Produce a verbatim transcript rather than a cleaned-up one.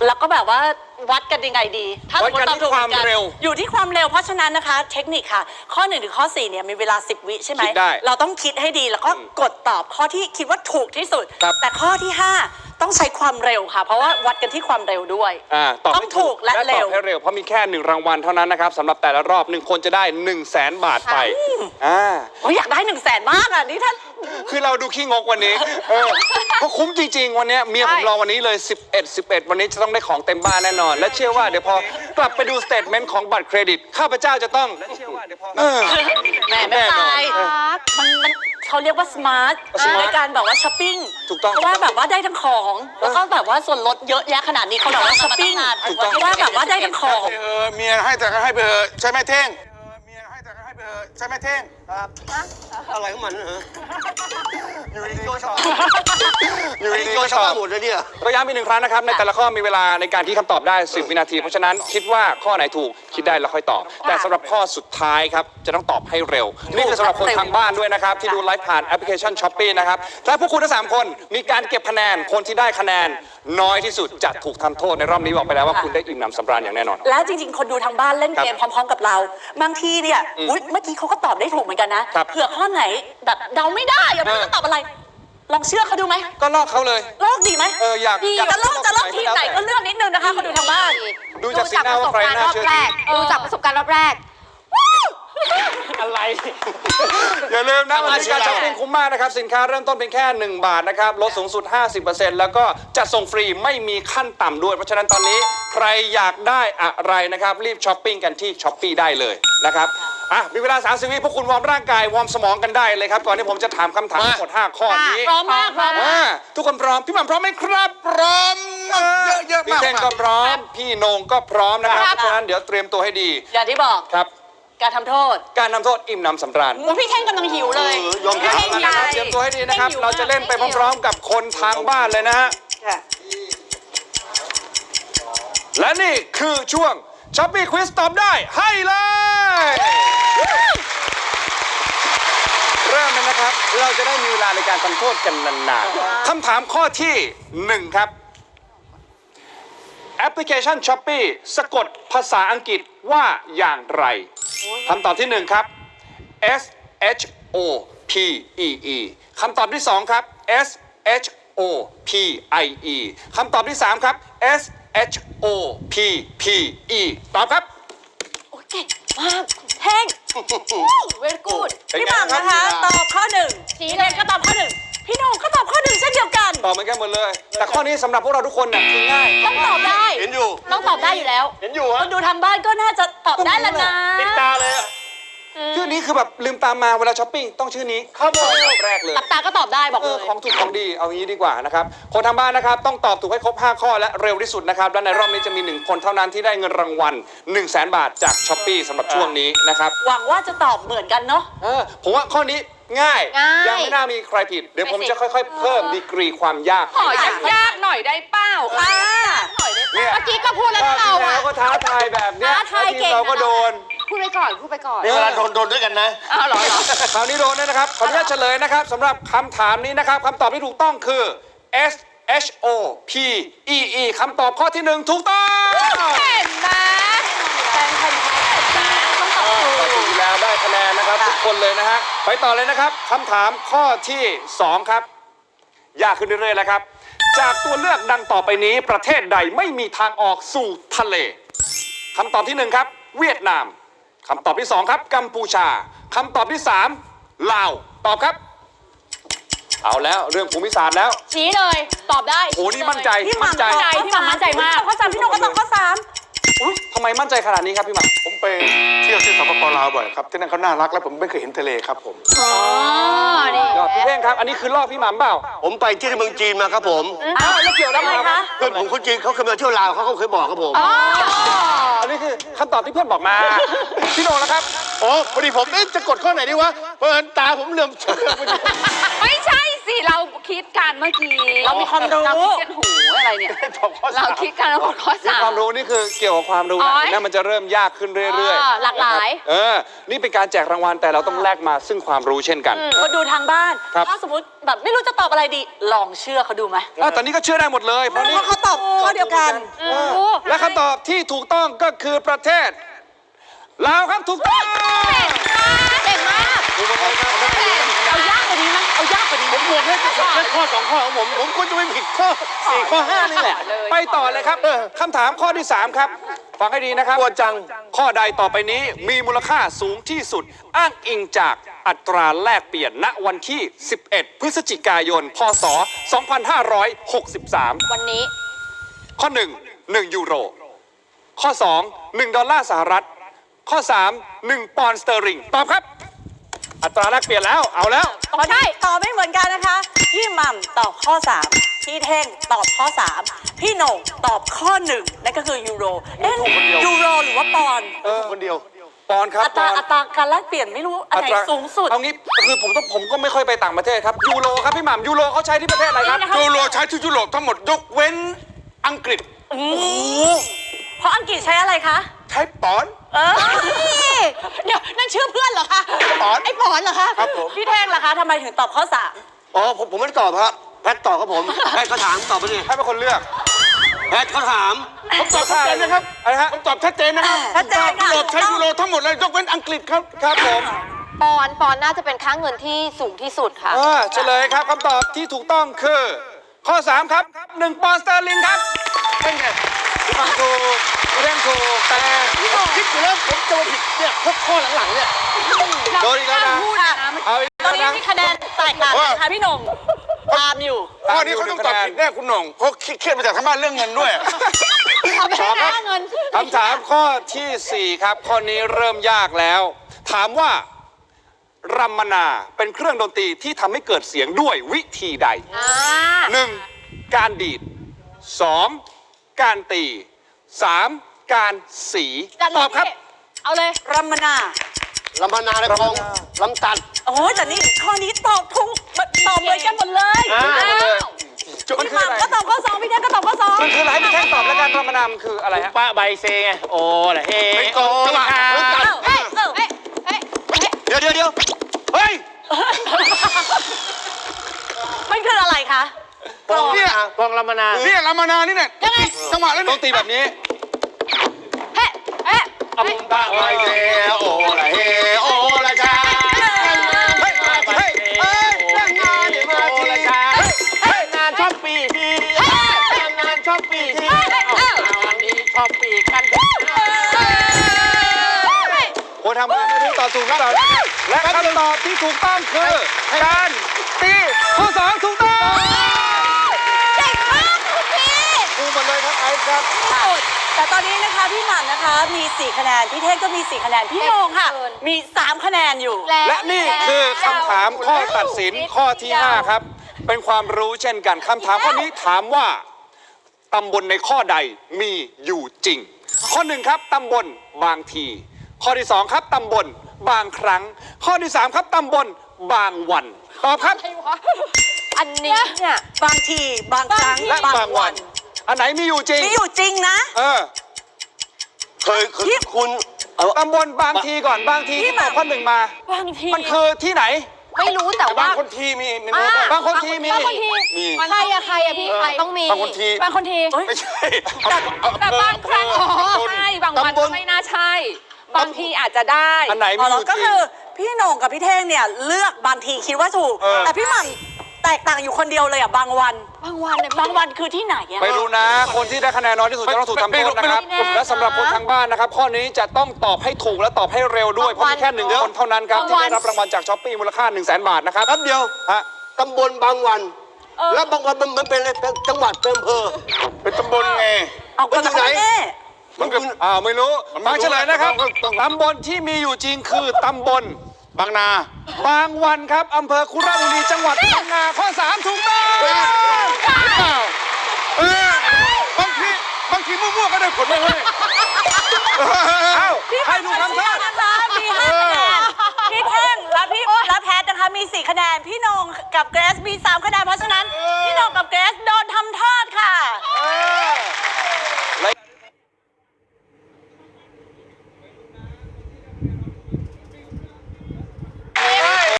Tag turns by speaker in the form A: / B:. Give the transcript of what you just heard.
A: แล้วก็แบบว่าวัดกันยังไงดีถ้าสมมติตอบถูกกันอยู่ที่ความเร็วเพราะฉะนั้นนะคะเทคนิคค่ะข้อหนึ่งถึงข้อสี่เนี่ยมีเวลาสิบวิใช่ไหมเราต้องคิดให้ดีแล้วก็กดตอบข้อที่คิดว่าถูกที่สุดแต่ข้อที่ห้าต้องใช้ความเร็วค่ะเพราะว่าวัดกันที่ความเร็วด้วยต้องถูกและเร็ว
B: ให้เร็วเพราะมีแค่หนึ่งรางวัลเท่านั้นนะครับสำหรับแต่ละรอบหนึ่งคนจะได้หนึ่งแสนบาทไป
A: อ่าอยากได้หนึ่งแสนมากอ่ะนี่ท่าน
B: คือเราดูขี้งกวันนี้เออเพราะคุ้มจริงๆวันนี้เมียผมรอวันนี้เลยสิบเอ็ด สิบเอ็ดวันนี้จะต้องได้ของเต็มบ้านแน่นอนและเชื่อว่าเดี๋ยวพอกลับไปดูสเตทเมนต์ของบัตรเครดิตข้าพเจ้าจะต้องและเชื่อว่าเดี๋ยวพอ
A: แม่ไม่ตายมันมันเขาเรียกว่าสมาร์ทในการแบบว่าช้อปปิ้ง
B: ถูกต้อง
A: เพราะว่าแบบว่าได้ทั้งของแล้วก็แบบว่าส่วนลดเยอะแยะขนาดนี้เขาบอกว่าช้อปปิ้งเพราะว่าแบบว่าได้ทั้งของ
C: เออเมียให้แต่ก็ให้ไปเถอะใช่ไหมเท่งเมียให้แต่ก็ให้ไปเถอะใช่ไหมเท่งครับอะไรของมันเหรออยู่ดีๆก็ชอบอยู่ดีๆก็ชอบหมดเลยเนี่ย
B: เราย้ำอีกหนึ่งครั้งนะครับในแต่ละข้อมีเวลาในการที่คำตอบได้สิบวินาทีเพราะฉะนั้นคิดว่าข้อไหนถูกคิดได้แล้วค่อยตอบแต่สำหรับข้อสุดท้ายครับจะต้องตอบให้เร็วนี่คือสำหรับคนทางบ้านด้วยนะครับที่ดูไลฟ์ผ่านแอปพลิเคชัน ช้อปปี้ นะครับถ้าพวกคุณทั้งสามคนมีการเก็บคะแนนคนที่ได้คะแนนน้อยที่สุดจะถูกทำโทษในรอบนี้บอกไปแล้วว่าคุณได้อิ่มหนำสำราญอย่างแน่นอน
A: แล้วจริงๆคนดูทางบ้านเล่นเกมพร้อมๆกับเราบางทีเนี่ยอุ๊ยเมื่อกี้เขาก็ตอบได้ถูกเหมือนกันนะเผื่อข้อไหนแบบเดาไม่ได้อย่าไม่รู้จะตอบอะไรลองเชื่อเขาดูไหม
B: ก็ลอกเขาเลย
A: ลอกดีไหม
B: เอออยาก
A: จะลอกจะลอกทีไหนก็เลือกนิดนึงนะคะคนดูทางบ้าน
B: ดูจากสีหน้าว่าใครน่าเชื่อถือ
D: ดูจากประสบการณ์รอบแรก
B: อะไรอย่าลืมนะวันนี้การช้อปปิ้งคุ้มมากนะครับสินค้าเริ่มต้นเป็นแค่หนึ่งบาทนะครับลดสูงสุด ห้าสิบเปอร์เซ็นต์ แล้วก็จะส่งฟรีไม่มีขั้นต่ำด้วยเพราะฉะนั้นตอนนี้ใครอยากได้อะไรนะครับรีบช้อปปิ้งกันที่ ช้อปปี้ ได้เลยนะครับอ่ะมีเวลาสามสิบวิพวกคุณวอร์มร่างกายวอร์มสมองกันได้เลยครับก่อนที่ผมจะถามคำถามทั้งหมดห้าข้อนี้
A: พร้อมมากพร้อมมาก
B: ทุกคนพร้อมพี่หม่ำพร้อมไหมครับ
C: พร้อมเยอะๆมาก
B: พี่เท่งก็พร้อมพี่โหน่งก็พร้อมนะครับเพราะฉะนั้นเดี๋ยวเตรียมตัวให้ดี
A: อย่างที่บอก
B: ครับ
A: การทำโทษ
B: การทำโทษอิ่มหนำสำราญ
A: พี่เท่งกำลังหิวเลย
B: ยอมรับนะครับเตรียมตัวให้ดีนะครับเราจะเล่นไปพร้อมๆกับคนทางบ้านเลยนะฮะและนี่คือช่วงช้อปปี้ควิสตอบได้ให้เลยเริ่มเลยนะครับเราจะได้มีเวลาในการทำโทษกันนานๆคำถามข้อที่หนึ่งครับแอปพลิเคชัน ช้อปปี้ สะกดภาษาอังกฤษว่าอย่างไรคำตอบที่หนึ่งครับ S H O P E E คำตอบที่สองครับ S H O P I E คำตอบที่สามครับ S H O P P E ตอบครับ
A: โอ้เก่งมากเท่งเวรกูดพี่หม่ำนะคะตอบข้อหนึ่งพี่เท่งก็ตอบข้อหนึ่งพี่โหน่งก็ตอบข้อหนึ่งเช่นเดียวกัน
B: ตอบเหมือนกันหมดเลยแต่ข้อนี้สำหรับพวกเราทุกคนน่ะคือง่าย
A: ต้องตอบได้
C: เห็นอยู่
A: ต้องตอบได้อยู่แล้ว
C: เห็นอยู่
A: คนดูทางบ้านก็น่าจะตอบได้แล้วนะ
C: ติดตาเลย
B: ชื่อนี้คือแบบลืมตามมาเวลาช้อปปิ้งต้องชื่อนี้ครับแรกเลย
A: หลับตาก็ตอบได้บอกเลย
B: ของถูกของดีเอางี้ดีกว่านะครับคนทางบ้านนะครับต้องตอบถูกให้ครบห้าข้อและเร็วที่สุดนะครับและในรอบนี้จะมีหนึ่งคนเท่านั้นที่ได้เงินรางวัล หนึ่งแสน บาทจากช้อปปี้สำหรับช่วงนี้นะครับ
A: หวังว่าจะตอบเหมือนกันเนาะ
B: เออผมว่าข้อนี้ง่ายยังไม่น่ามีใครผิดเดี๋ยวผมจะค่อยๆเพิ่มดีกรีความยาก
D: ขอยากๆหน่อยได้เปล่าค่ะเมื่อกี้ก็พูดแล้วเราอ่ะ
B: ก็ท้าทายแบบเนี้ยทีมเราก็โดน
D: พูดไปก่อนพูดไปก่อน
C: เวลาโดนโดนด้วยกันนะ
D: อ้าวเหรอ
B: คราวนี้โดนนะครับขออนุญาตเฉลยนะครับสำหรับคำถามนี้นะครับคำตอบที่ถูกต้องคือ S H O P E E คำตอบข้อที่หนึ่งถูกต้อง
D: เห็นไหมแฟนคนไทยต้องตอบถูก
B: แล้วได้คะแนนนะครับทุกคนเลยนะฮะไปต่อเลยนะครับคำถามข้อที่สองครับยากขึ้นเรื่อยๆแล้วครับจากตัวเลือกดังต่อไปนี้ประเทศใดไม่มีทางออกสู่ทะเลคำตอบที่หนึ่งครับเวียดนามคำตอบที่สองครับกัมพูชาคำตอบที่สามลาวตอบครับเอาแล้วเรื่องภูมิศาสตร์แล้ว
A: ชี้เลยตอบได้
B: โอ้นี่มั่นใจ
A: พี่มั่นใจพี่หม่ำมั่นใจมากข้อสามพี่โหน่งก็ตอบข้อสาม
B: อุ๊ยทำไมมั่นใจขนาดนี้ครับพี่หม่ำ
C: ผมไปเที่ยวที่สปปลาวบ่อยครับที่นั่นเขาน่ารักและผมไม่เคยเห็นทะเลครับผม
D: อ๋อนี่
B: พี่เท่งครับอันนี้คือลอกพี่หม่ำเปล่า
C: ผมไปที่เมืองจีนมาครับผม
B: อ้าวแล้วเกี่ยวได้ไหมคะ
C: เพื่อนผมคนจีนเขาเคยมาเที่ยวลาวเขาเคยบอกครับผม
B: อันนี้คือคำตอบที่เพื่อนบอกมาพี่โหน่งแล้วครับ
C: โอ้พอดีผมจะกดข้อไหนดีวะเพราะตาผมเหลื่อม
D: ไม่ใช่สิเราคิดการเมื่อกี้
A: เรามีความรู้
D: เราคิดกันหูอะไรเนี่ย
C: ตอบข้อสาม
D: เราคิดกันแล้วหมดข้อ
B: นี่
D: สาม
B: ความรู้นี่คือเกี่ยวกับความรู้
D: อ๋
B: นะ
D: อ
B: เห็นไหมมันจะเริ่มยากขึ้นเรื่อย
D: อ๋อหลากหลาย
B: นะครับเออ นี่เป็นการแจกรางวัลแต่เราต้องแลกมาซึ่งความรู้เช่นกัน
A: คนดูทางบ้าน
B: ครับ
A: ถ้าสมมติแบบไม่รู้จะตอบอะไรดี ลองเชื่อเขาดูไหม
B: อ่ะตอนนี้ก็เชื่อได้หมดเลย เพราะนี่
A: เพราะเขาตอบข้อเดียวกัน
B: เออและคำตอบที่ถูกต้องก็คือประเทศลาวครับถูกต้อง
D: เก่งมาก
B: ถูกต้องครับ
A: เอายากกว่านี้ไหมเอายากกว่านี้ไหม
C: บวกให้แค่ข้อสองข้อของผม ผมควรจะไม่ผิดข้อสี่ข้อห้านี่แหละ
B: ไปต่อเลยครับคำถามข้อที่สามครับฟังให้ดีนะครับ
C: กลัวจัง
B: ข้อใดต่อไปนี้มีมูลค่าสูงที่สุด อ้างอิงจากอัตราแลกเปลี่ยนณวันที่ สิบเอ็ด พฤศจิกายน พ.ศ. สองพันห้าร้อยหกสิบสาม
D: วันนี้
B: ข้อหนึ่ง หนึ่งยูโร ข้อสอง หนึ่งดอลลาร์สหรัฐ ข้อสาม หนึ่งปอนด์สเตอร์ลิงตอบครับ อัตราแลกเปลี่ยนแล้วเอาแล้ว
A: ตอนนี้ตอบไม่เหมือนกันนะคะ พี่หม่ำตอบข้อสามพี่เท่งตอบข้อสามพี่โหน่งตอบข้อหนึ่งนั่นก็คือยูโร เอ๊ะ
B: ถูกคนเดียว
A: ยูโรหรือว่าปอนด์
B: เออ
C: คนเดียว
B: ปอนด์ครับ
A: อัตรา
B: ปอนด์
A: อัตราการแลกเปลี่ยนไม่รู้อันไหน
B: ตรา
A: สูงสุด
B: เอางี้คือผมต้องผมก็ไม่ค่อยไปต่างประเทศครับยูโรครับพี่หม่ำยูโรเขาใช้ที่ประเทศอะไรครับ
A: นี่นะคะ
C: ยูโรใช้ที่ยุโรปทั้งหมดยกเว้นอังกฤษ
A: โอ้โหเพราะอังกฤษใช้อะไรคะ
C: ใช้ปอนด์
A: เออเดี๋ยวนั่นชื่อเพื่อนเหรอคะ
C: ปอนด์
A: ไอ้ปอนเหรอคะ
C: ครับผม
A: พี่เท่งล่ะคะทำไมถึงตอบข้อสาม
E: อ๋อผมผมไม่ได้ตอบครับแพทย์ตอบครับผมแพทย์เขาถามตอบไปดิ
B: ให้เป็นคนเลือก
E: แพทย์เขาถาม
C: ผมตอบชัดเจนนะครับ
B: อะไรฮะ
C: ผมตอบชัดเจนนะครับ
A: ชัดเจนค่ะ
C: ยุโรปใช้ยูโรทั้งหมดเลยยกเว้นอังกฤษครับ
B: ครับผม
D: ปอนด์ปอนด์น่าจะเป็นค่าเงินที่สูงที่สุดค่ะ
B: เออเฉลยครับคำตอบที่ถูกต้องคือ ข้อสามครับหนึ่งปอนด์สเตอร์ลิงครับเป็นไงพี่ฟังถูกพี่เร่งถูกแต่
C: ผมคิดอยู่แล้วผมจะมาผิดเนี่ยพวกข้อหลังๆเนี่ย
B: โดนอีกแล้วนะ
A: พูดนะ
B: เอาอีก
A: ตอน
B: แล้ว
A: นี้
B: นะ
A: มีคะแนนแตกต่างกันนะคะพี่หน่งตามอยู่
C: ข้อนี้เขาต้องตอบผิดแน่คุณหน่องเพราะเครียดมาจากทางบ้านเรื่องเงินด้วย
D: เอาไปให้ค่าเงิน
B: คำถามข้อที่สี่ครับข้อนี้เริ่มยากแล้ว ถามว่ารัมมนาเป็นเครื่องดนตรีที่ทำให้เกิดเสียงด้วยวิธีใด
D: อ่า
B: หนึ่งการดีดสองการตีสามการสี
D: จัดเลย
B: ตอบครับ
D: พี่เอาเลย
A: รัมมนา
E: ลำพนาในคลองลำตัด
A: โอ้ยแต่นี่ข้อนี้ตอบถูกตอบเหมือนกันหมดเลย
E: อ่า
B: มัน
A: พี่
B: คือ
A: ห
B: อะไร
A: ม่ำก็ตอบข้อสองพี่เท่งก็ตอบข้อสอง
B: มันคืออะไรให้พี่แท่งตอบแล้วกันรัมมนามันคืออะไรฮะ
E: ป้าใบเซไง โอ้ละเฮ้
C: ไม่โกง
E: จังหวะ
C: อ่ะ
E: ลำตัด
A: เอ้าเอ้าเอ้า
D: เฮ้ยเฮ้ยเฮ้ย
E: เดี๋ยวเดี๋ยวเดี๋ยว
C: เฮ้ย
A: มันคืออะไรคะ
E: กลอง
C: เนี่ย
E: กลองลำพนา
C: เนี่ยรามานานี่เนี่ยจังหวะแล้ว
B: ต้
C: เนี่
B: อย งตีแบบนี้
D: เฮ้ยเฮ้ย
E: อัมตะใบเซโอ้ละเฮ้โอ้ละชา
C: เฮ้ยเฮ้ยเฮ้ย
E: เรื่องงานเดี๋ยวมาทีละชาเฮ้ยงานชอบปีทีงานชอบปีทีวันนี้ชอบปีกัน
B: คนทำงานไม่รู้ตอบถูกหรือเปล่านะครับและคำตอบที่ถูกต้องคือการตีข้อสองถูกต้อง
A: เก่งมากคุณพี่
B: ถูกหมดเลยครับไอซ์ครับ
A: แต่ตอนนี้นะคะพี่หม่ำนะคะมีสี่คะแนนพี่เท่งก็มีสี่คะแนนพี่โหน่งค่ะ มีสามคะแนนอยู่
B: และนี่คือคำถามข้อตัดสินข้อที่ห้าครับ เป็นความรู้เช่นกันคำถามข้อนี้ถามว่าตำบลในข้อใดมีอยู่จริง ข้อหนึ่งครับตำบลบางที ข้อที่สองครับตำบลบางครั้ง ข้อที่สามครับตำบลบางวันตอบครับ
D: อันนี้เนี่ย
A: บางทีบางครั้ง
B: และบางวัน อันไหนมีอยู่จริง
A: มีอยู่จริงนะ
B: เออ
E: เคยเคยคุณเอา
B: ตำบลบางทีก่อนบางทีที่ตอบข้อหนึ่งมา
D: บางที
B: มันคือที่ไหน
D: ไม่รู้แต่
C: บา
D: ว่า
C: งคนทีมีมีรู้ป่ะ
B: บางคนทีมี
D: บางคนที
C: มี
D: ใครอะใครอะพี่ใครต้องมี
C: บางคนที
D: บางคนที
C: ไม่ใช่
D: แต่บางครั้งอ๋อใช่บางวันก็ไม่น่าใช่ บางทีอาจจะได้
B: อันไหน
A: อ๋
B: มี
A: อ
B: อยู่จ
A: ก็
B: ริ
A: คื
B: ง
A: อพี่โหน่งกับพี่เท่งเนี่ยเลือกบางทีคิดว่าถูก
B: เออ
A: แต่พี่หม่ำแตกต่างอยู่คนเดียวเลยอ่ะบางวัน
D: บางวันเนี่ย
A: บางวันคือที่ไหนอ่ะ
B: ไม่รู้นะ คนที่ได้คะแนนน้อยที่สุดจะต้องถูกทำโทษนะครับ
D: ไม่รู้
B: และสำหรับคนทางบ้านนะครับ ข้อนี้จะต้องตอบให้ถูกและตอบให้เร็วด้วย เพราะมีแค่หนึ่งคนเท่านั้นครับ ที่ได้รับรางวัลจากช้อปปี้มูลค่า หนึ่งแสน บาทนะครับ
E: แป๊บเดียว
B: ฮะ
E: ตำบลบางวัน แล้วบางวันมันมันเป็นอะไรเป็นจังหวัดเป็นอำเภอ
C: เป็นตำบลไง
A: เอา
E: มันอยู่ไหน
A: แน่
C: มันก็
B: อ้าวไม่รู้
C: มันไม่
B: ฟัง
C: รู้
B: เฉลยนะครับ
C: ต้องต้อง
B: ตำบลที่มีอยู่จริงคือตำบล
C: บางนา
B: บางวันครับอำเภอคุระบุรีจังหวัดพังงาข้อสามถูกต้อง
C: เออบางทีบางทีมั่วๆก็ได้ผลไม่ให้
B: เอ้า
A: ๆพี่
B: ให้ดู
A: หม่ำ
B: คำโทษ
A: นะคะมีห้าคะแนนพี่เท่งและพี่และแพทนะคะมีสี่คะแนนพี่โหน่งกับเกรซมีสามคะแนนเพราะฉะนั้นพี่โหน่งกับเกรซโดนทำโทษค่ะค่ะ
C: เอ้